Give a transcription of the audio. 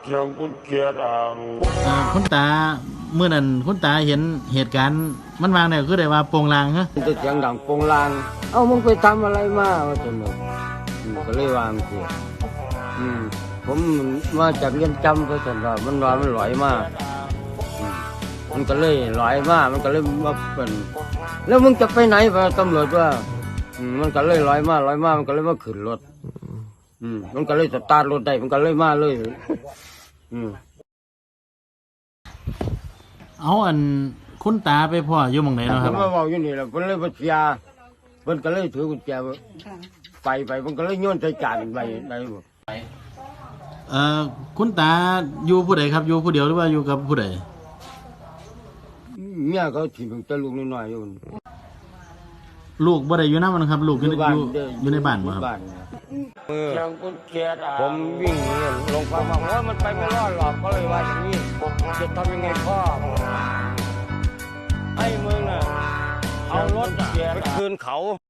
เสียงกุญแจดังคุณตาเมื่อนั้นคุณตาเห็นเหตุการณ์มันวางเนี่ยคือได้ว่าโปงลางฮะมันจะเสียงดังโปงลางเอ้ามึงไปทำอะไรมาว่าจะหนูก็เลยวางเสียผมมาจากเรียนจำไปสันว่ามันหลอยมากมันก็เลยหลอยมากมันก็เลยมาเป็นแล้วมึงจะไปไหนวะตำรวจว่ามันก็เลยลอยมามันก็เลยมาขึ้นรถมันก็เลยสตาร์ทรถได้มันก็เลยมาเลยเอาอันคุณตาไปพ่ออยู่หม่องไหนเนาะครับผมมาบอกอยู่นี่แหละเพิ่นเลยมาเสียเพิ่นก็เลยถือกุญแจไปมันก็เลยโยนใส่จานไปได้หมดคุณตาอยู่ผู้ใดครับอยู่ผู้เดียวหรือว่าอยู่กับผู้ใดเมียเขาถิ่มแต่ลูกน้อยๆอยู่ลูกบ่ได้อยู่นำมันครับลูกอยู่ในบ้านบ่ครับเสียงกุญแจดังผมวิ่งหนีลงความว่ามันไปไม่รอดหรอกก็เลยว่าอย่างนี้จะทำยังไงพ่อให้มึงน่ะเอารถไปคืนเขา